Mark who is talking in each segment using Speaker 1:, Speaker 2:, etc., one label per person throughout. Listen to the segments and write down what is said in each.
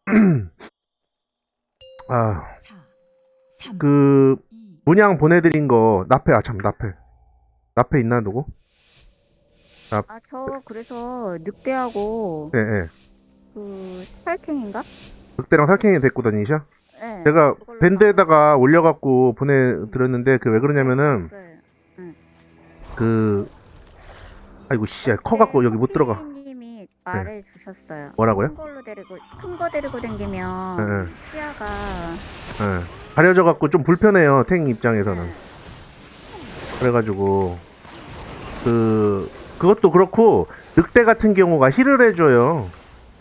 Speaker 1: 아, 그 문양 보내드린 거 나페 나페 있나 누구? 나,
Speaker 2: 아, 저 그래서 늑대하고
Speaker 1: 예, 예.
Speaker 2: 그 살쾡인가?
Speaker 1: 늑대랑 살쾡이 데리고 다니셔?
Speaker 2: 네,
Speaker 1: 제가
Speaker 2: 그걸로
Speaker 1: 밴드에다가 올려갖고 보내드렸는데 그 왜 그러냐면은
Speaker 2: 봤어요. 응.
Speaker 1: 그 아이고 씨
Speaker 2: 어제
Speaker 1: 커갖고 여기 못 들어가.
Speaker 2: 커피님이
Speaker 1: 예.
Speaker 2: 말해주셨어요.
Speaker 1: 뭐라고요?
Speaker 2: 큰 거 데리고
Speaker 1: 예,
Speaker 2: 다니면
Speaker 1: 예.
Speaker 2: 시야가
Speaker 1: 가려져갖고 좀 불편해요 탱 입장에서는.
Speaker 2: 네.
Speaker 1: 그래가지고 그것도 그렇고 늑대 같은 경우가 힐을 해줘요.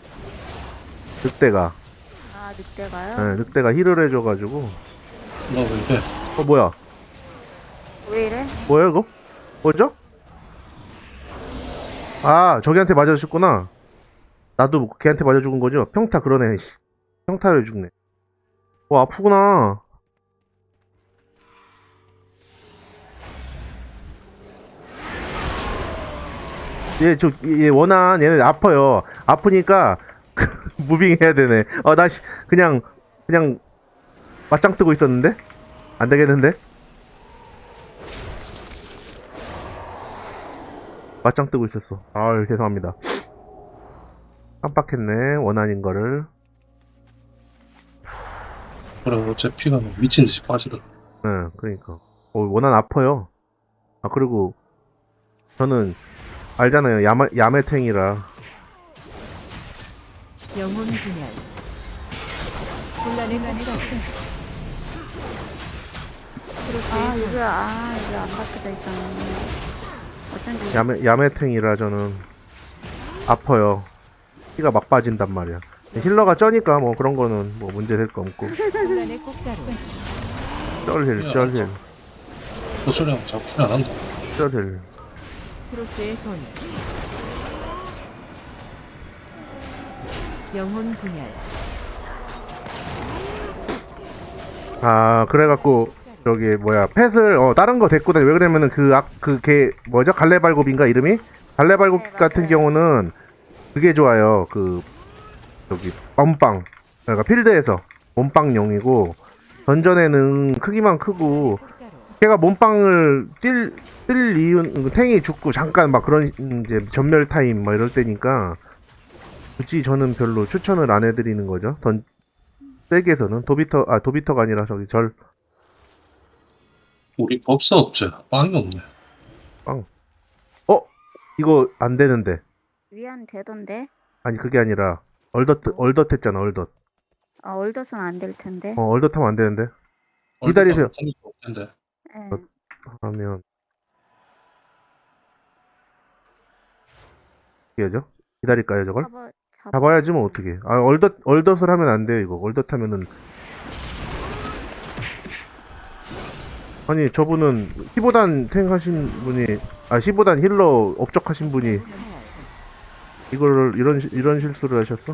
Speaker 1: 늑대가.
Speaker 2: 아, 늑대가요?
Speaker 1: 예, 늑대가 힐을 해줘가지고.
Speaker 3: 나 왜 이래?
Speaker 1: 뭐야?
Speaker 2: 왜 이래?
Speaker 1: 뭐야 이거? 뭐죠? 아 저기한테 맞아 죽구나. 나도 걔한테 맞아 죽은 거죠? 평타 그러네. 씨. 평타를 죽네. 아프구나. 얘 원한 얘네 아파요. 아프니까 무빙 해야 되네. 그냥 맞짱 뜨고 있었는데 안 되겠는데? 맞짱 뜨고 있었어. 아 죄송합니다. 깜빡했네. 원한인 거를.
Speaker 3: 그래, 어째 피가 막 미친 듯이 빠지더라.
Speaker 1: 응, 그러니까. 원한 아파요. 아 그리고 저는 알잖아요. 야매탱이라.
Speaker 4: 영혼 분열 혼란의 가니가
Speaker 2: 여기 안 박혀져 있었네. 어쩐지.
Speaker 1: 야매탱이라 저는 아파요. 피가 막 빠진단 말이야. 힐러가 쩌니까 뭐 그런 거는 뭐 문제 될 거 없고.
Speaker 4: 혼란의 꽃가루
Speaker 1: 쩔힐.
Speaker 3: 그 소리하면 자꾸 피안 한다.
Speaker 1: 쩔힐.
Speaker 4: 트로스의 손 영혼 분열
Speaker 1: 아 그래갖고 저기 뭐야 펫을 다른 거 데리고 다니. 왜 그러면은 걔 뭐죠? 갈래발굽인가 이름이? 갈래발굽
Speaker 2: 네,
Speaker 1: 같은
Speaker 2: 맞아요.
Speaker 1: 경우는 그게 좋아요. 저기 몸빵. 그러니까 필드에서 몸빵용이고 던전에는 크기만 크고
Speaker 4: 꽃가루
Speaker 1: 걔가 몸빵을 뛸 이유는 탱이 죽고 잠깐 막 그런 이제 전멸 타임 막 이럴 때니까 굳이 저는 별로 추천을 안 해드리는 거죠. 백에서는 도비터가 아니라 저기
Speaker 3: 우리 법사 없지? 빵이 없네.
Speaker 1: 빵. 이거 안 되는데.
Speaker 2: 위안 되던데?
Speaker 1: 아니 그게 아니라 얼덧 했잖아 얼덧.
Speaker 2: 아, 얼더선 안 될 텐데.
Speaker 1: 얼덧 하면 안 되는데. 기다리세요.
Speaker 3: 못할 텐데.
Speaker 2: 네.
Speaker 1: 하면 어떻게 하죠? 기다릴까요 저걸? 잡아야지 뭐 어떻게? 얼덧을 하면 안 돼요 이거. 얼덧 하면은 아니 저분은 15단 탱 하신 분이 15단 힐러 업적하신 분이 이거를 이런 실수를 하셨어?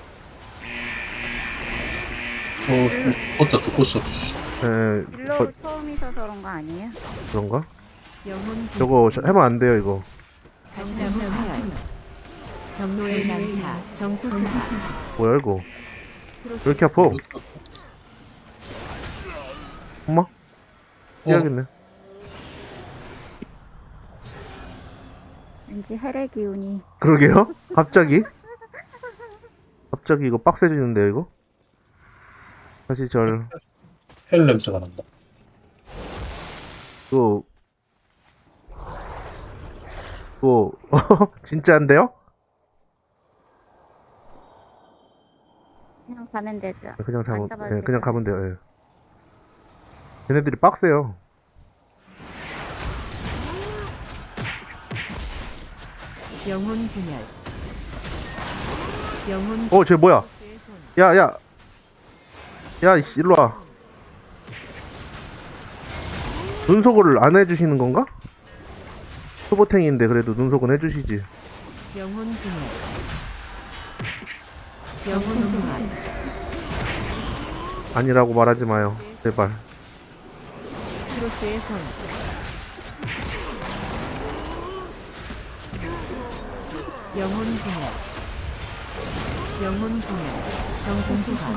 Speaker 3: 어따 듣고 있어.
Speaker 2: 딜러 처음이셔서 그런 거 아니에요?
Speaker 1: 그런가?
Speaker 4: 영혼 분열
Speaker 1: 저거 하면 안 돼요 이거.
Speaker 4: 정나무 파열 경로의 난타 정수수파
Speaker 1: 뭐야 이거? 왜
Speaker 4: 트로스
Speaker 1: 이렇게 아파? 엄마? 해야겠네.
Speaker 2: 왠지 해례 기운이.
Speaker 1: 그러게요? 갑자기 이거 빡세지는데요 이거? 다시
Speaker 3: 헬 냄새가 난다.
Speaker 1: 이거 진짜인데요?
Speaker 2: 그냥 가면 되죠.
Speaker 1: 그냥
Speaker 2: 안 잡아도
Speaker 1: 그냥
Speaker 2: 되잖아요.
Speaker 1: 가면 돼요. 예. 걔네들이 빡세요.
Speaker 4: 영혼 분열 영혼
Speaker 1: 쟤 뭐야?
Speaker 4: 트로스의 손
Speaker 1: 이씨, 일로 와. 눈속을 안 해주시는 건가? 초보탱인데 그래도 눈속은 해주시지.
Speaker 4: 영혼 분열 영혼 분열
Speaker 1: 아니라고 말하지 마요. 제발.
Speaker 4: 트로스의 손 영혼 분열 영혼 분열. 정수 소환.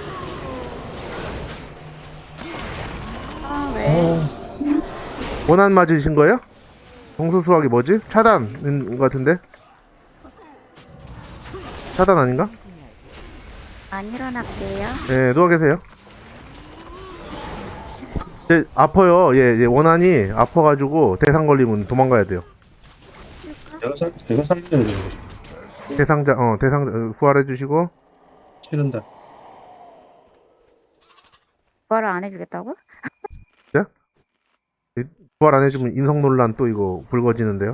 Speaker 2: 아, 왜?
Speaker 1: 원한 맞으신 거예요? 정수 수학이 뭐지? 차단인 것 같은데? 차단 아닌가?
Speaker 2: 안 일어날게요.
Speaker 1: 네, 누워 계세요. 아파요. 얘 원한이 아파가지고 대상 걸리면 도망가야 돼요.
Speaker 3: 제가 살려야 되는 거지.
Speaker 1: 대상자 부활해주시고.
Speaker 3: 싫은데.
Speaker 2: 부활을 안 해주겠다고?
Speaker 1: 부활 안 해주면 인성 논란 또 이거 불거지는데요.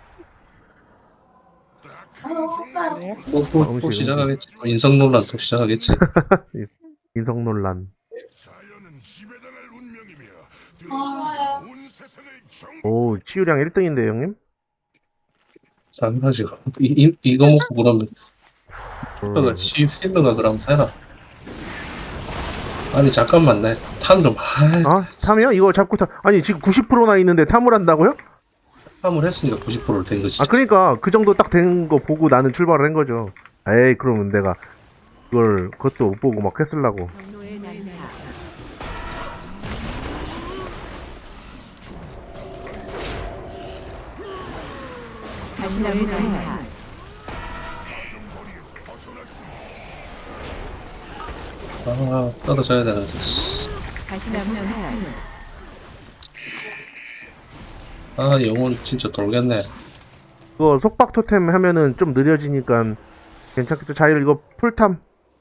Speaker 2: 네.
Speaker 3: 또
Speaker 1: 음식.
Speaker 3: 시작하겠지. 인성 논란 또 시작하겠지.
Speaker 1: 인성 논란. 오, 치유량 1등인데 형님?
Speaker 3: 당연하지. 이거 먹고 그러면
Speaker 1: 음,
Speaker 3: 힐러가 힐러가 그러면 되나? 아니 잠깐만 내 탐 좀
Speaker 1: 탐이요? 이거 잡고 아니 지금 90%나 있는데 탐을 한다고요?
Speaker 3: 탐을 했으니까 90%를 된 거지.
Speaker 1: 아 그러니까 그 정도 딱 된 거 보고 나는 출발을 한 거죠. 에이 그러면 내가 그것도 못 보고 막 했을라고.
Speaker 4: 분노의 난타. 자신의 난타.
Speaker 3: 아 떨어져야 되는데.
Speaker 4: 자신의 난타.
Speaker 3: 아 영혼 진짜 돌겠네.
Speaker 1: 그거 속박 토템 하면은 좀 느려지니까 괜찮겠죠. 자일 이거 풀탐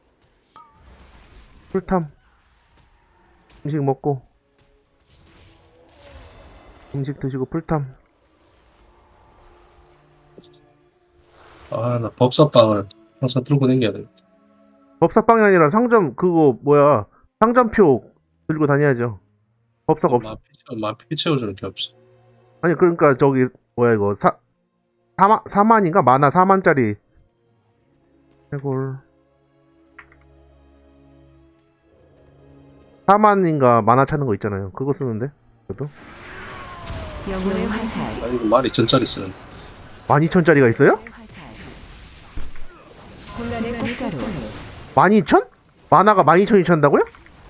Speaker 1: 음식 먹고 음식 드시고 풀탐.
Speaker 3: 아 나 법사빵을 항상 들고 다녀야 돼.
Speaker 1: 법사빵이 아니라 상점 그거 뭐야 상점표 들고 다녀야죠. 법사가 없어.
Speaker 3: 피 채워주는 게 없어.
Speaker 1: 아니 그러니까 저기 뭐야 이거 4만인가? 만화 4만짜리 해골 4만인가 만화 찾는 거 있잖아요. 그거 쓰는데 그래도
Speaker 4: 영혼의 화살.
Speaker 3: 아 이거 12,000짜리 쓰는.
Speaker 1: 12,000짜리가 있어요?
Speaker 4: 혼란의 꽃가루.
Speaker 1: 12,000? 만화가 12,000이 찬다고요?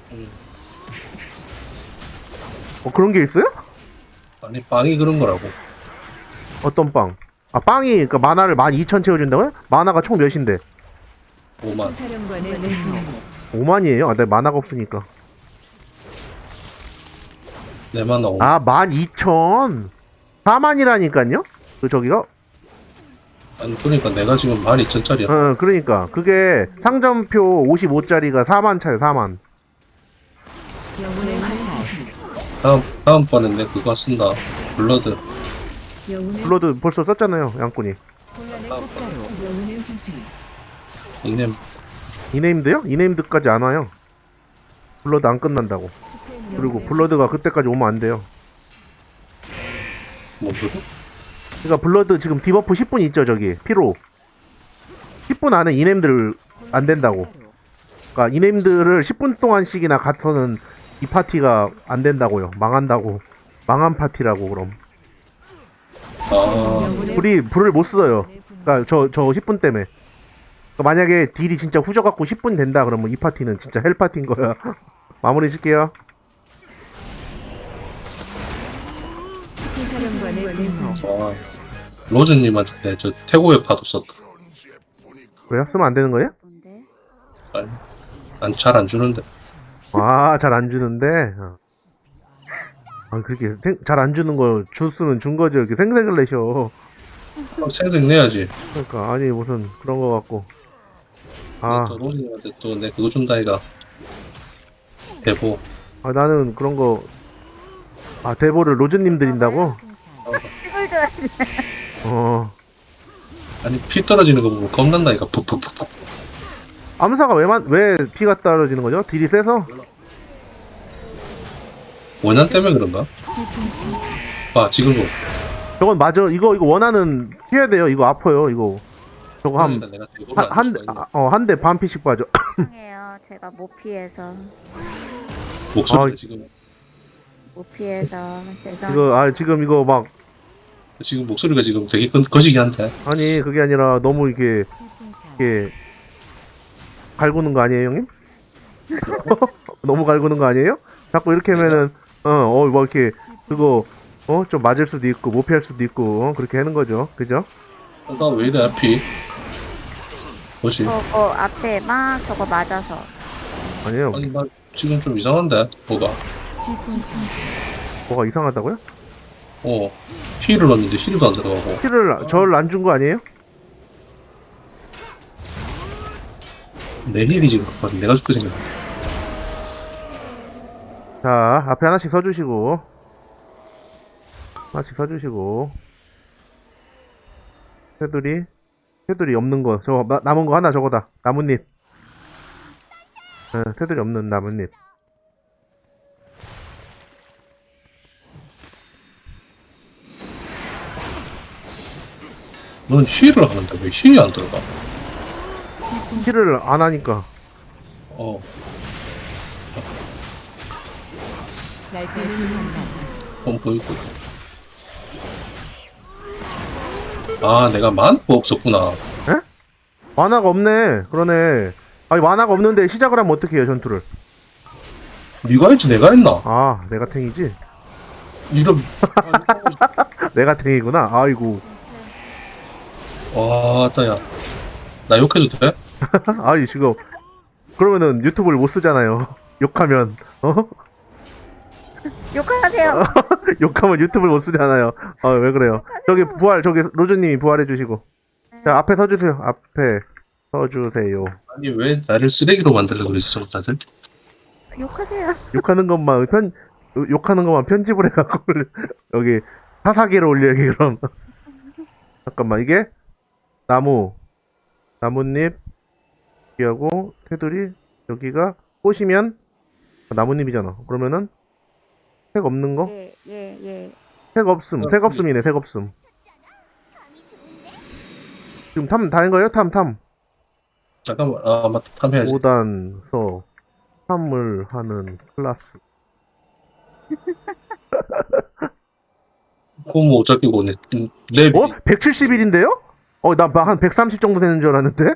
Speaker 1: 그런 게 있어요?
Speaker 3: 아니 빵이 그런 거라고.
Speaker 1: 어떤 빵? 아 빵이 그러니까 만화를 12,000 채워준다고요? 만화가 총 몇인데?
Speaker 3: 5만.
Speaker 4: 사령관의 분노.
Speaker 1: 5만이에요? 아, 내 만화가 없으니까.
Speaker 3: 내만 나오.
Speaker 1: 아 12,000 4만이라니까요? 그 저기가?
Speaker 3: 아니 그러니까 내가 지금 12,000짜리야.
Speaker 1: 그러니까 그게 상점표 55짜리가 4만 차요. 4만.
Speaker 4: 영혼의 화살.
Speaker 3: 다음번엔 내 그거 쓴다. 블러드.
Speaker 4: 영혼의
Speaker 1: 블러드 벌써 썼잖아요. 양꾼이.
Speaker 4: 혼란의 꽃가루. 영혼의 화살.
Speaker 3: 닉네임
Speaker 1: 이네임드요? 이네임드까지 안 와요. 블러드 안 끝난다고. 그리고 블러드가 그때까지 오면 안 돼요.
Speaker 3: 뭐 그거?
Speaker 1: 그러니까 블러드 지금 디버프 10분 있죠 저기 피로. 10분 안에 이네임들 안 된다고. 그러니까 이네임들을 10분 동안씩이나 갖서는 이 파티가 안 된다고요. 망한다고. 망한 파티라고 그럼.
Speaker 3: 아
Speaker 1: 우리 불을 못 써요. 그러니까 저 10분 때문에. 그러니까 만약에 딜이 진짜 후져갖고 10분 된다 그러면 이 파티는 진짜 헬 파티인 거야. 마무리 짓게요.
Speaker 4: 사령관의 분노.
Speaker 3: 와, 로즈님한테 저 태고의 파도 썼다.
Speaker 1: 왜요? 쓰면 안 되는 거예요?
Speaker 2: 뭔데?
Speaker 3: 아니, 잘 안 주는데.
Speaker 1: 아, 잘 안 주는데. 아, 그렇게 잘 안 주는 거 줬으면 준 거죠. 이렇게 생색을 내셔.
Speaker 3: 생색 내야지.
Speaker 1: 그러니까 아니 무슨 그런 거 같고. 아,
Speaker 3: 또 로즈님한테 또 내 그거 준다 이가. 대보.
Speaker 1: 나는 그런 거. 아, 대보를 로즈님 드린다고?
Speaker 2: 이걸 줘야지.
Speaker 1: 어.
Speaker 3: 아니 피 떨어지는 거 보고 겁난다 이가. 푹푹푹푹.
Speaker 1: 암사가 왜 피가 떨어지는 거죠? 딜이 세서?
Speaker 3: 원한 때문에 그런가? 아 지금도.
Speaker 1: 저건 맞아. 이거 원하는 피해야 돼요. 이거 아파요. 이거. 저거
Speaker 3: 그러니까 내가 대보를 안 줄 수가 있나?
Speaker 1: 한 대 반 피씩 빠져.
Speaker 2: 죄송해요. 제가 못 피해서.
Speaker 3: 목소리가
Speaker 1: 아,
Speaker 3: 지금
Speaker 2: 죄송해요.
Speaker 1: 지금 이거 막,
Speaker 3: 목소리가 지금 되게 거시기한데.
Speaker 1: 아니, 그게 아니라 너무 이게 갈구는 거 아니에요, 형님? 너무 갈구는 거 아니에요? 자꾸 이렇게 하면은 뭐 이렇게 그거 좀 맞을 수도 있고 못 피할 수도 있고 그렇게 하는 거죠, 그죠?
Speaker 3: 나왜 이래 앞이? 뭐지?
Speaker 2: 저거 앞에 막 저거 맞아서.
Speaker 1: 아니에요.
Speaker 3: 아니 나 지금 좀 이상한데 뭐가?
Speaker 1: 뭐가 이상하다고요?
Speaker 3: 힐을 넣었는데 힐도 안 들어가고.
Speaker 1: 힐을 절 안 준 거 아니에요?
Speaker 3: 내 힐이 지금 그렇거든. 내가 죽게 생겼네.
Speaker 1: 자, 앞에 하나씩 서주시고 테두리 없는 거 저거 남은 거 하나 저거다. 나뭇잎. 테두리 없는 나뭇잎.
Speaker 3: 넌 힐을 하는데 왜 힐이 안 들어가?
Speaker 1: 힐을 안 하니까.
Speaker 3: 어, 보이고. 아, 내가 만화가 없었구나.
Speaker 1: 만화가 없네. 그러네. 아니 만화가 없는데 시작을 하면 어떻게 해요 전투를?
Speaker 3: 네가 했지, 내가 했나?
Speaker 1: 아 내가 탱이지?
Speaker 3: 이런.
Speaker 1: 내가 탱이구나. 아이고.
Speaker 3: 와, 따야. 나 욕해도 돼?
Speaker 1: 아이 지금 그러면은 유튜브를 못 쓰잖아요. 욕하면
Speaker 2: 욕하세요.
Speaker 1: 욕하면 유튜브를 못 쓰잖아요. 왜 그래요? 저기 로즈님이 부활해 주시고. 자 앞에 서주세요. 앞에 서주세요.
Speaker 3: 아니, 왜 나를 쓰레기로 만들려고 그러지, 저 다들?
Speaker 2: 욕하세요.
Speaker 1: 욕하는 것만 편집을 해갖고 여기 사사기로 올려야지 그럼. 잠깐만 이게 나뭇잎 여기하고 테두리 여기가 꽃이면 나뭇잎이잖아. 그러면은 색 없는 거?
Speaker 2: 예.
Speaker 1: 색 없음. 색 없음이네. 색 없음. 지금 탐 다 한 거예요? 탐.
Speaker 3: 잠깐만, 아, 맞다, 탐해야지.
Speaker 1: 5단서 탐을 하는 클래스.
Speaker 3: 그거 뭐 어차피 오네. 랩이.
Speaker 1: 170일인데요? 나 한 130 정도 되는 줄 알았는데?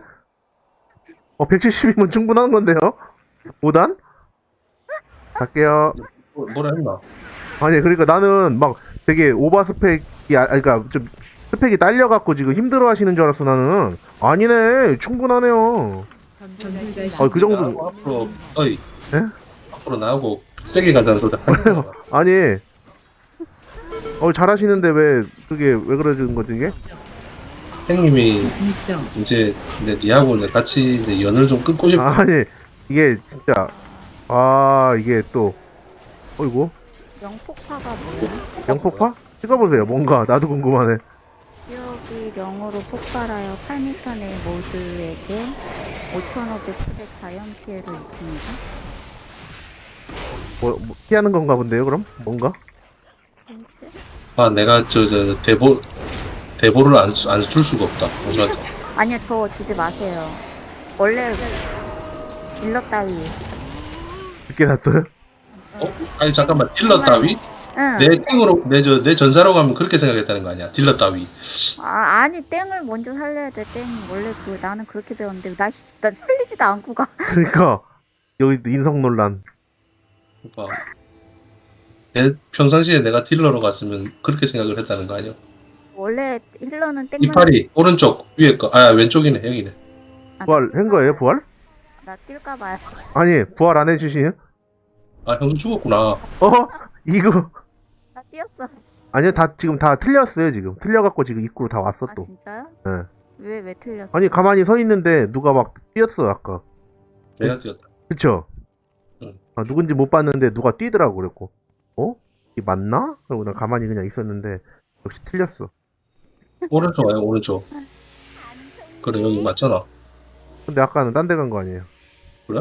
Speaker 1: 170이면 충분한 건데요? 5단? 갈게요.
Speaker 3: 뭐라 했나?
Speaker 1: 아니, 그러니까 나는 막 되게 오버 스펙이, 그러니까 좀 스펙이 딸려갖고 지금 힘들어 하시는 줄 알았어, 나는. 아니네, 충분하네요. 그 정도.
Speaker 3: 앞으로, 어이.
Speaker 1: 예?
Speaker 3: 앞으로 나하고 세게 가자는 소리 하지 마.
Speaker 1: 아니, 잘하시는데 왜 그러는 거지, 이게?
Speaker 3: 형님이 이제 니하고 같이 이제 연을 좀 끊고 싶어.
Speaker 1: 아니, 이게 진짜, 이게 또, 어이구,
Speaker 2: 영폭파가 뭐야?
Speaker 1: 영폭파? 찍어보세요, 뭔가, 나도 궁금하네.
Speaker 2: 지역이 영으로 폭발하여 8m 내 모두에게 5,500의 자연 피해를 입힙니다.
Speaker 1: 뭐, 피하는 건가 본데요, 그럼? 뭔가?
Speaker 2: 뭐지?
Speaker 3: 아, 내가 대보를 안 줄 수가 없다. 어쩌다.
Speaker 2: 아니요, 저 주지 마세요. 원래 딜러 따위.
Speaker 1: 늦게 놔둬요?
Speaker 3: 아니 잠깐만, 딜러 따위?
Speaker 2: 응.
Speaker 3: 내 땡으로 내 전사로 가면 그렇게 생각했다는 거 아니야? 딜러 따위.
Speaker 2: 아니 땡을 먼저 살려야 돼. 땡 원래 나는 그렇게 배웠는데 나 살리지도 않고 가.
Speaker 1: 그러니까, 여기 인성 논란.
Speaker 3: 오빠. 평상시에 내가 딜러로 갔으면 그렇게 생각을 했다는 거 아니야?
Speaker 2: 원래 힐러는 땡만.
Speaker 3: 이파리 오른쪽 위에 거, 왼쪽이네, 여기네.
Speaker 1: 부활 한 거예요, 부활?
Speaker 2: 나 뛸까 봐요.
Speaker 1: 아니, 부활 안 해주시요?
Speaker 3: 형수 죽었구나.
Speaker 1: 이거.
Speaker 2: 나 뛰었어.
Speaker 1: 아니요, 지금 다 틀렸어요, 지금. 틀려갖고 지금 입구로 다 왔어,
Speaker 2: 아
Speaker 1: 또.
Speaker 2: 진짜요?
Speaker 1: 예.
Speaker 2: 왜 틀렸어?
Speaker 1: 아니, 가만히 서 있는데 누가 막 뛰었어, 아까.
Speaker 3: 내가 뛰었다.
Speaker 1: 그쵸?
Speaker 3: 응.
Speaker 1: 누군지 못 봤는데 누가 뛰더라고, 그랬고. 이게 맞나? 그러고 나 가만히 그냥 있었는데, 역시 틀렸어.
Speaker 3: 오른쪽 아니야, 오른쪽. 그래, 여기 맞잖아.
Speaker 1: 근데 아까는 딴 데 간 거 아니에요?
Speaker 3: 그래?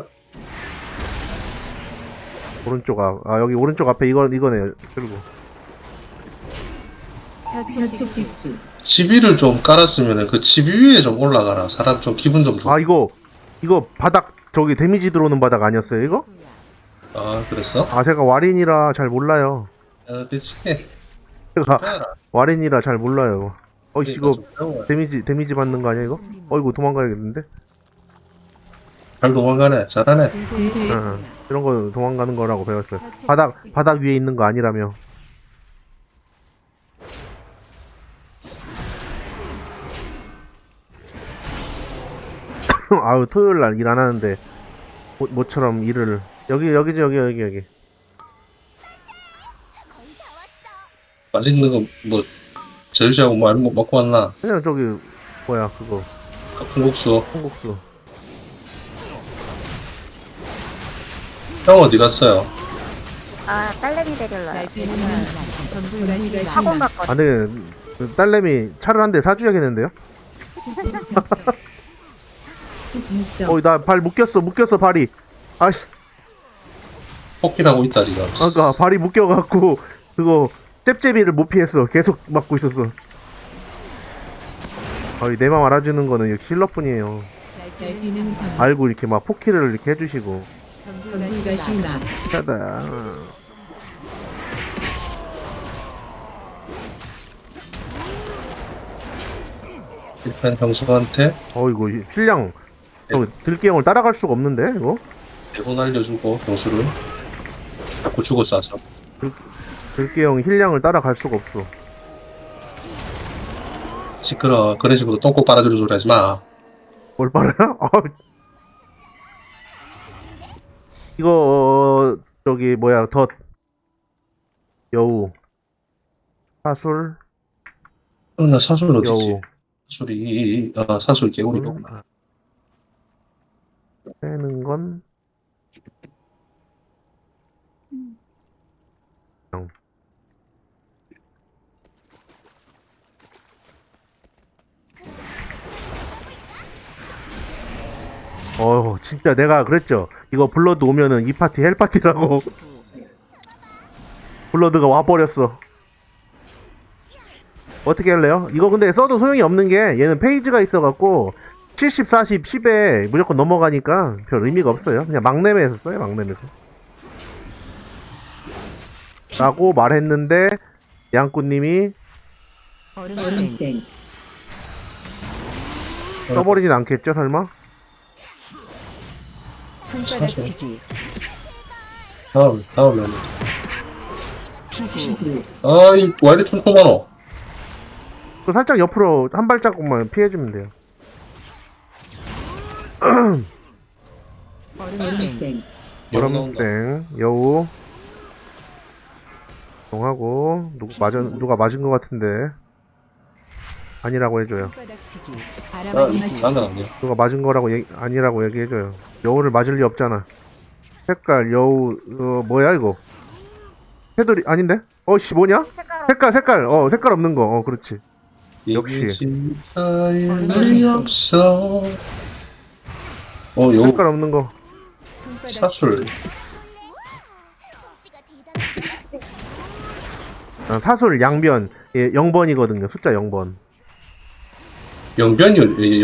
Speaker 1: 오른쪽 여기 오른쪽 앞에 이거네요, 그리고.
Speaker 4: 혈축 집중.
Speaker 3: 치비를 좀 깔았으면 그 치비 위에 좀 올라가라. 사람 좀 기분 좀 좋아.
Speaker 1: 이거 바닥, 저기 데미지 들어오는 바닥 아니었어요, 이거?
Speaker 3: 그랬어?
Speaker 1: 제가 와린이라 잘 몰라요.
Speaker 3: 그치.
Speaker 1: 제가
Speaker 3: 해라.
Speaker 1: 와린이라 잘 몰라요. 이거
Speaker 3: 좀 배워야.
Speaker 1: 데미지 받는 거 아니야, 이거? 이거 도망가야겠는데?
Speaker 3: 잘 도망가네. 잘하네.
Speaker 1: 이런 거 도망가는 거라고 배웠어요. 바닥 위에 있는 거 아니라며. 아유, 토요일 날 일 안 하는데 모처럼 일을 여기지 여기.
Speaker 3: 맛있는 거 뭐 제주시하고 뭐 먹고 왔나?
Speaker 1: 그냥 저기 뭐야 그거
Speaker 3: 콩국수.
Speaker 1: 콩국수.
Speaker 3: 형 어디 갔어요?
Speaker 2: 아 딸내미 데리러요.
Speaker 4: 날뛰는 한 전불과 신라.
Speaker 2: 학원 갔거든.
Speaker 1: 안 되겠네. 그 딸내미 차를 한 대 사줘야겠는데요? 나 발 묶였어 발이. 아씨,
Speaker 3: 포기하고 있다 지금.
Speaker 1: 아까 발이 묶여갖고 그거 잽잽이를 못 피했어. 계속 맞고 있었어. 내 맘 알아주는 거는 역시 힐러뿐이에요.
Speaker 4: 날뛰는 한
Speaker 1: 알고 이렇게 막 포키를 이렇게 해주시고.
Speaker 4: 전불과 신라.
Speaker 1: 짜다.
Speaker 3: 일단 형수한테
Speaker 1: 이거 힐량 들기형을 따라갈 수가 없는데 이거?
Speaker 3: 대본 알려주고 형수를 자꾸 죽어 싸서.
Speaker 1: 들기형 힐량을 따라갈 수가 없어.
Speaker 3: 시끄러. 그런 식으로 똥꼬 빨아주는 소리 하지 마.
Speaker 1: 뭘 빨아요? 이거 저기 뭐야 덧 여우 사술
Speaker 3: 나 사술 어디지?
Speaker 1: 여우
Speaker 3: 사술 개구리구나.
Speaker 1: 빼는 건 진짜 내가 그랬죠. 이거 블러드 오면은 이 파티 헬파티라고. 블러드가 와버렸어. 어떻게 할래요? 이거 근데 써도 소용이 없는 게 얘는 페이지가 있어갖고 70, 40, 10에 무조건 넘어가니까 별 의미가 없어요. 그냥 막내매에서 써요. 막내매에서 라고 말했는데 양꾼님이
Speaker 4: 얼음땡.
Speaker 1: 써버리진 않겠죠 설마?
Speaker 4: 손바닥치기.
Speaker 3: 다음에.
Speaker 4: 피구.
Speaker 3: 왜 이리 촘촘하노?
Speaker 1: 그 살짝 옆으로 한 발자국만 피해주면 돼요.
Speaker 4: 얼음땡.
Speaker 1: 여름땡 여우 동하고 누가 맞은 것 같은데 아니라고 해줘요.
Speaker 4: 손바닥치기.
Speaker 3: 나는
Speaker 4: 알아맞히기.
Speaker 3: 아니야.
Speaker 1: 누가 맞은 거라고 아니라고 얘기해줘요. 여우를 맞을 리 없잖아. 색깔 여우 뭐야 이거? 해돌이 아닌데? 씨 뭐냐? 색깔 색깔 없는 거. 그렇지. 역시.
Speaker 3: 진짜의 없어. 요
Speaker 1: 색깔 없는 거.
Speaker 3: 사술.
Speaker 1: 사술 양변 0번이거든요. 숫자 0번.
Speaker 3: 영변이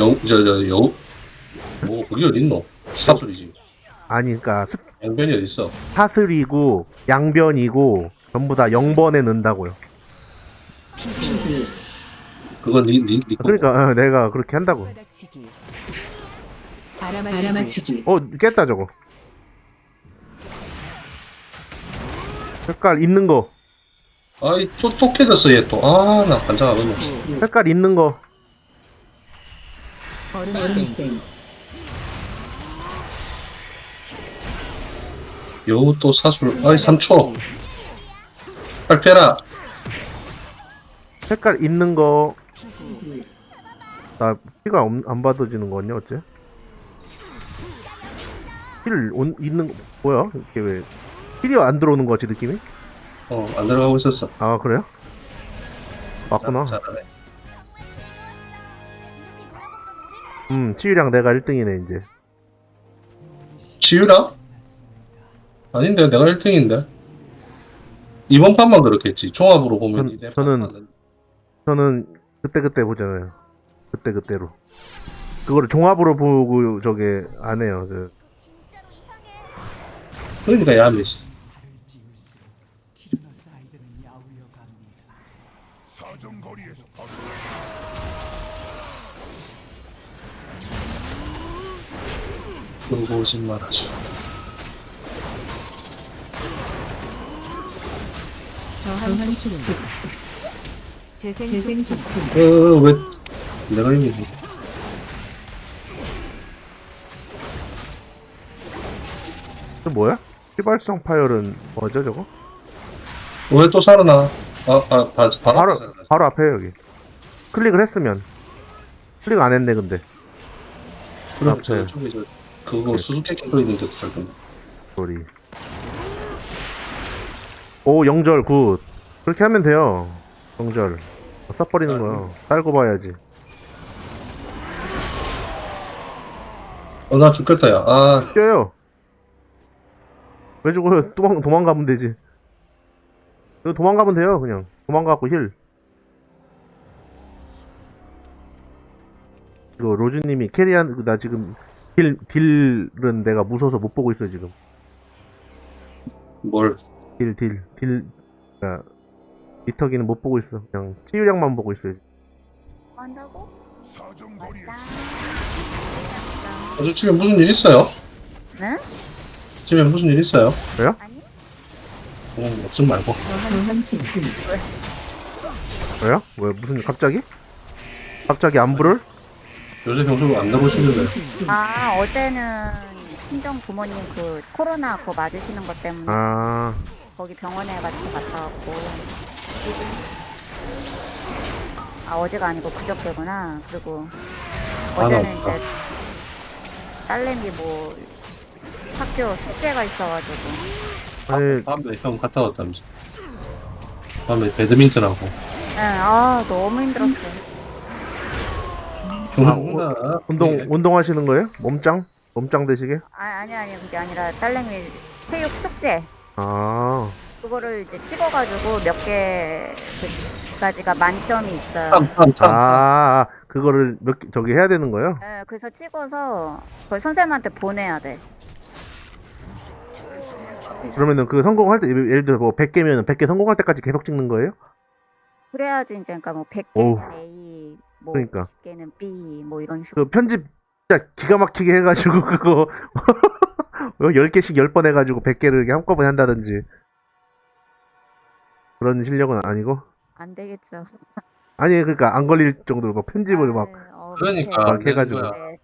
Speaker 3: 그게 어딨노? 사술이지.
Speaker 1: 아니 그니까
Speaker 3: 영변이 어딨어?
Speaker 1: 사슬이고 양변이고 전부 다 0번에 넣는다고요.
Speaker 4: 피구.
Speaker 3: 그건 니 거.
Speaker 1: 그러니까 내가 그렇게 한다고.
Speaker 4: 손바닥치기. 알아맞히기.
Speaker 1: 깼다 저거. 색깔 있는 거.
Speaker 3: 또 깨졌어 얘 또. 나 반장하겠네.
Speaker 1: 색깔 있는 거.
Speaker 4: 얼음땡.
Speaker 3: 여우 또 사술. 3초. 빨리 라
Speaker 1: 색깔 있는 거.
Speaker 4: 피구.
Speaker 1: 나 피가 안 받아지는 거냐 어째? 힐 있는 거 뭐야? 이게 왜 힐이 안 들어오는 거지 느낌이?
Speaker 3: 안 들어가고 있었어.
Speaker 1: 아 그래요? 맞구나.
Speaker 3: 잘하네.
Speaker 1: 치유량 내가 1등이네 이제.
Speaker 3: 치유랑? 아닌데 내가 1등인데. 이번 판만 그렇겠지. 종합으로 보면
Speaker 1: 저는 그때 보잖아요. 그때로. 그거를 종합으로 보고 저게 안 해요.
Speaker 3: 그러니까 야매지. 그러고 오지 말아줘.
Speaker 5: 저항 촉진. 재생
Speaker 4: 재생
Speaker 5: 촉진.
Speaker 4: 촉진.
Speaker 3: 왜 내가 이미
Speaker 1: 또 뭐야? 휘발성 파열은 뭐죠 저거?
Speaker 3: 왜 또 살아나? 바로
Speaker 1: 바로 바로 앞에 여기. 클릭을 했으면 클릭 안 했네 근데.
Speaker 3: 그럼 저
Speaker 1: 앞에.
Speaker 3: 저기 저 그거
Speaker 1: 네.
Speaker 3: 수수께끼 거 있는데 살 건데.
Speaker 1: 소리. 오 영절 굿. 그렇게 하면 돼요. 영절. 써버리는 거야. 딸고 봐야지.
Speaker 3: 나 죽겠다 야.
Speaker 1: 뛰어요. 왜 죽어요? 도망가면 되지. 이거 도망가면 돼요 그냥. 도망가고 힐. 이거 로즈님이 캐리한 나 지금 딜은 내가 무서워서 못 보고 있어 지금.
Speaker 3: 뭘?
Speaker 1: 딜. 그러니까 미터기는 못 보고 있어. 그냥 치유량만 보고 있어요.
Speaker 2: 뭐 한다고? 맞다.
Speaker 3: 저 집에 무슨 일 있어요?
Speaker 2: 응?
Speaker 3: 집에 무슨 일 있어요?
Speaker 2: 아니?
Speaker 3: 없음 말고.
Speaker 4: 저항 촉진.
Speaker 1: 왜요? 왜 무슨 갑자기? 갑자기 안부를?
Speaker 3: 요새 병수를 안 나보시는데.
Speaker 2: 아 어제는 친정 부모님 그 코로나 그거 맞으시는 것 때문에
Speaker 1: 아
Speaker 2: 거기 병원에 같이 갔다 왔고. 아 어제가 아니고 그저께구나. 그리고 어제는
Speaker 3: 없다.
Speaker 2: 이제 딸내미 뭐 학교 숙제가 있어가지고
Speaker 1: 아니
Speaker 3: 밤에 형 갔다 왔다면서. 밤에 배드민턴하고.
Speaker 2: 네, 아 너무 힘들었어요.
Speaker 3: 뭔가
Speaker 1: 운동하시는 거예요? 몸짱 되시게?
Speaker 2: 아니 그게 아니라 딸내미 체육 숙제
Speaker 1: 아
Speaker 2: 그거를 이제 찍어가지고 몇 개까지가 만점이 있어요.
Speaker 1: 그거를 저기 해야 되는 거예요?
Speaker 2: 네, 그래서 찍어서 거의 선생님한테 보내야 돼.
Speaker 1: 그러면은 그 성공할 때 예를 들어 뭐 100개면 100개 성공할 때까지 계속 찍는 거예요?
Speaker 2: 그래야지 이제 그러니까 뭐
Speaker 1: 오우.
Speaker 2: 100개는 A, 뭐
Speaker 1: 그러니까.
Speaker 2: 90개는 B 뭐 이런 식으로.
Speaker 1: 그 편집 진짜 기가 막히게 해가지고 그거 10개씩 10번 해가지고 100개를 이렇게 한꺼번에 한다든지 그런 실력은 아니고
Speaker 2: 안 되겠죠.
Speaker 1: 아니 그러니까 안 걸릴 정도로 막 편집을 막
Speaker 3: 그러니까
Speaker 1: 막
Speaker 3: 안 되는
Speaker 1: 해가지고.
Speaker 3: 거야.
Speaker 2: 네.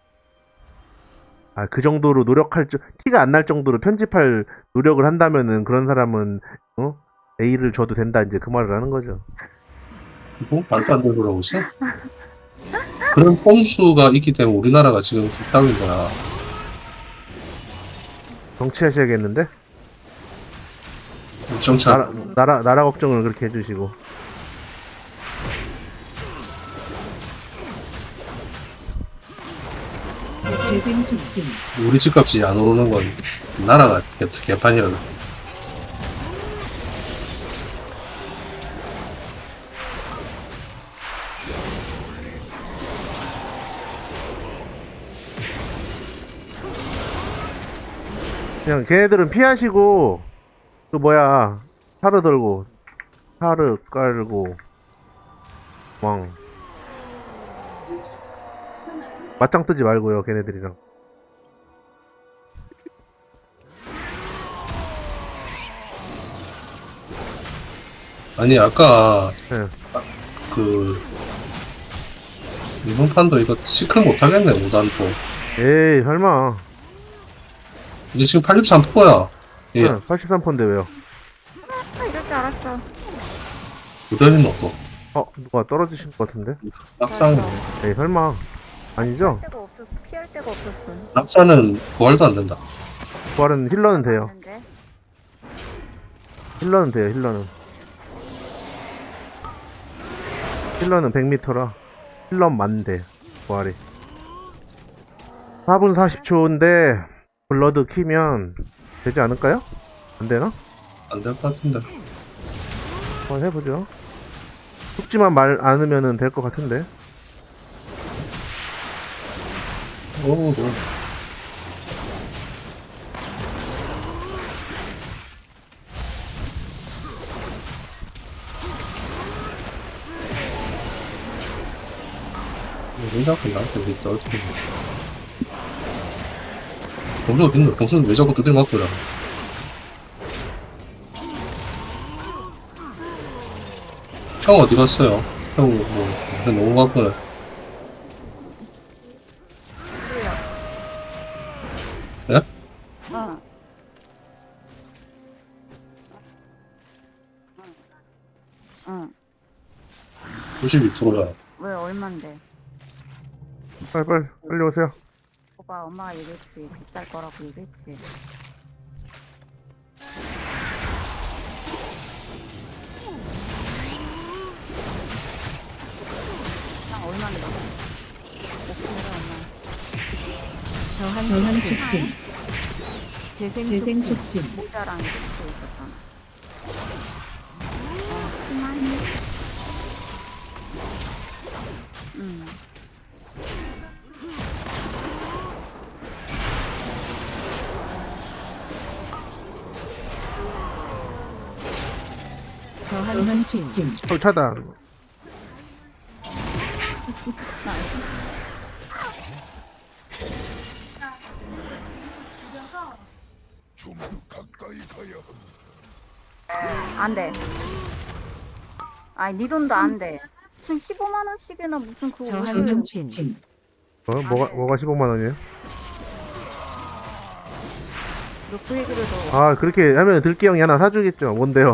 Speaker 1: 그 정도로 노력할 티가 안 날 정도로 편집할 노력을 한다면은 그런 사람은 A를 줘도 된다 이제 그 말을 하는 거죠.
Speaker 3: 뭐 말도 안 되는 소리 하고 있어? 그런 꼼수가 있기 때문에 우리나라가 지금 뒷땅인 거야.
Speaker 1: 정치하셔야겠는데?
Speaker 3: 정착.
Speaker 1: 나라 걱정을 그렇게 해주시고.
Speaker 4: 재생 촉진.
Speaker 3: 우리 집값이 안 오르는 건 나라가 개판이야.
Speaker 1: 그냥 걔네들은 피하시고 그 뭐야 타르 들고 타르 깔고 왕 맞짱 뜨지 말고요 걔네들이랑.
Speaker 3: 아니 아까
Speaker 1: 네.
Speaker 3: 이번 판도 이거 시클 못하겠네 5단포.
Speaker 1: 에이 설마.
Speaker 3: 이게 지금 83%야. 예.
Speaker 1: 83%인데 왜요?
Speaker 2: 이럴 줄 알았어.
Speaker 3: 부담이 없고.
Speaker 1: 누가 떨어지신 것 같은데?
Speaker 3: 낙상.
Speaker 1: 에이 설마. 아니죠?
Speaker 2: 데가 없었어. 피할 데가 없었어.
Speaker 3: 낙사는 부활도 안 된다.
Speaker 1: 부활은 힐러는 돼요.
Speaker 2: 맞는데?
Speaker 1: 힐러는 돼요 힐러는. 힐러는 100m라 힐러 만대 부활이. 4분 40초인데 블러드 키면 되지 않을까요? 안되나?
Speaker 3: 안 될 것 같은데.
Speaker 1: 한번 해보죠. 죽지만 말 않으면 될 것 같은데.
Speaker 3: 오, 생각은 나한테 믿다 어떻게 해. 범수 어딨노? 범수는 왜 자꾸 두들 맞고 이러? 형 어디 갔어요? 형 너무 바쁘네. 예?
Speaker 2: 어.
Speaker 3: 92%잖아.
Speaker 2: 왜 얼만데?
Speaker 1: 빨리 오세요.
Speaker 2: 오빠 엄마가 얘기했지. 비쌀 거라고 얘기했지. 그냥 얼마인데? 오케이라 엄마.
Speaker 5: 저항
Speaker 4: 저항
Speaker 5: 촉진.
Speaker 4: 촉진.
Speaker 5: 재생
Speaker 4: 재생
Speaker 5: 촉진.
Speaker 4: 촉진.
Speaker 2: 모자랑 이렇게 있었잖아. 그만.
Speaker 5: 저항
Speaker 4: 저항
Speaker 5: 촉진.
Speaker 4: 촉진.
Speaker 1: 차단.
Speaker 2: 안 돼. 아니, 네 돈도 안 돼. 무슨 15만 원씩이나 무슨 그거
Speaker 5: 저항
Speaker 2: 오늘
Speaker 5: 촉진.
Speaker 4: 촉진.
Speaker 1: 뭐가 15만 원이에요?
Speaker 2: 그 얘기를 더
Speaker 1: 아, 그렇게 하면 들기 형이 하나 사주겠죠. 뭔데요?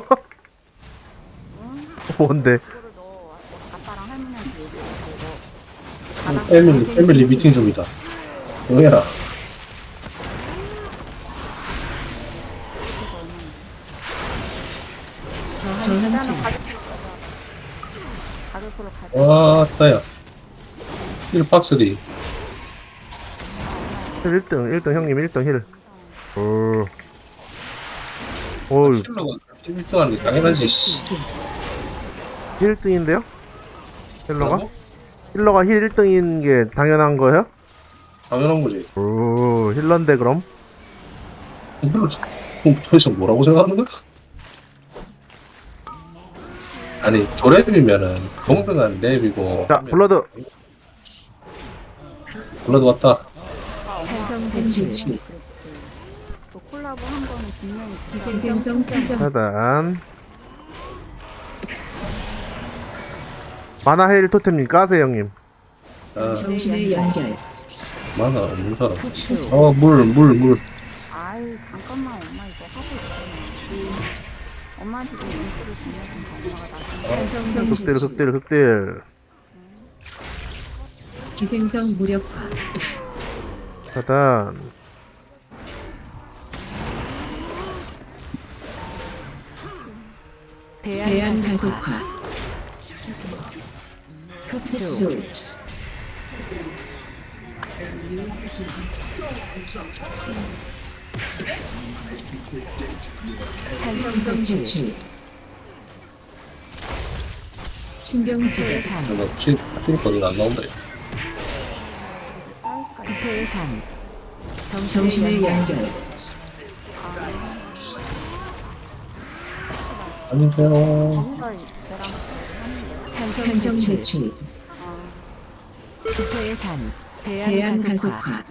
Speaker 1: 뭔데?
Speaker 2: 그거를 너 아빠랑 할머니한테 얘기해서
Speaker 3: 패밀리 미팅 중이다. 응해라.
Speaker 5: 저항
Speaker 2: 일단은
Speaker 5: 촉진.
Speaker 2: 가격으로 가자.
Speaker 3: 와, 따야. 1박스 D.
Speaker 1: 1등 형님 1등 힐. 오,
Speaker 3: 힐러가 1등하는 게 당연하지, 씨.
Speaker 1: 힐 1등인데요? 힐러가? 힐러가 힐 1등인 게 당연한 거예요?
Speaker 3: 당연한 거지.
Speaker 1: 오, 힐러인데 그럼?
Speaker 3: 힐러, 도대체 뭐라고 생각하는 거야? 아니, 조랩이면은 동등한 랩이고.
Speaker 1: 자, 블러드.
Speaker 3: 블러드 왔다.
Speaker 5: 산성 배출.
Speaker 2: 그렇지. 또 콜라보 한 거는 분명히
Speaker 4: 기생성 충전.
Speaker 1: 차단. 마나 힐 토템님 까세요 형님.
Speaker 4: 정신의 연결.
Speaker 3: 만화 없는 사람.
Speaker 5: 흡수.
Speaker 3: 물.
Speaker 2: 아이 잠깐만 엄마 이거 하고 있잖아. 엄마한테 좀 인기를 주면 엄마가 나중에
Speaker 5: 산성
Speaker 1: 극딜
Speaker 5: 배출.
Speaker 1: 극딜.
Speaker 4: 기생성 무력화.
Speaker 1: 차단.
Speaker 4: 대안 가속화.
Speaker 5: 흡수.
Speaker 4: 흡수.
Speaker 5: 산성
Speaker 4: 성성
Speaker 5: 배출.
Speaker 4: 배출. 신경지배.
Speaker 5: 대산.
Speaker 3: 내가 힐거리가 안 나온다. 이거.
Speaker 2: 사이즈가
Speaker 5: 대산.
Speaker 4: 정신의 연결.
Speaker 3: 안녕하세요.
Speaker 2: 뭔가 걔랑 하는데
Speaker 5: 산성
Speaker 4: 산성
Speaker 5: 배출.
Speaker 4: 배출.
Speaker 5: 대산.
Speaker 4: 대안
Speaker 5: 대안 가속화.
Speaker 4: 가속화.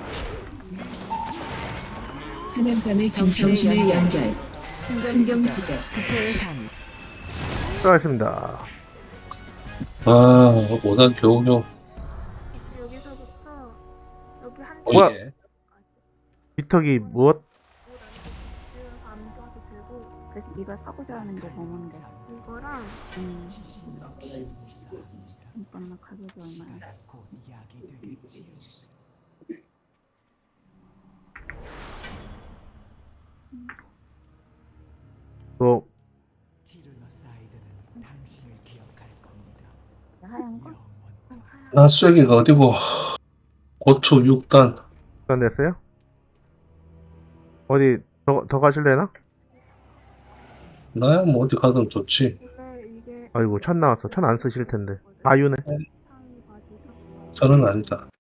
Speaker 4: 사냥감의 정신의 연결. 신경지배.
Speaker 5: 대산.
Speaker 1: 수고하셨습니다.
Speaker 3: 아, 5단 겨우겨우.
Speaker 6: 여기서부터 여기 한
Speaker 1: 뭐야?
Speaker 3: 예.
Speaker 1: 비턱이 무엇?
Speaker 6: 암도도 들고
Speaker 2: 그래서 네가 사고자 하는 게 뭐뭔데?
Speaker 6: 이거랑
Speaker 2: 잠깐만 가격이 얼마야?
Speaker 1: 뭐
Speaker 2: 하얀 거?
Speaker 3: 나 쐐기가 어디고? 고초 6단.
Speaker 1: 시간 됐어요? 어디 더 가실래나?
Speaker 3: 나야 뭐 어디 가든 좋지.
Speaker 6: 근데 이게
Speaker 1: 아이고 천 나왔어. 천 안 쓰실 텐데. 아유네.
Speaker 6: 상이 바지 샀어.
Speaker 3: 저는 아니다.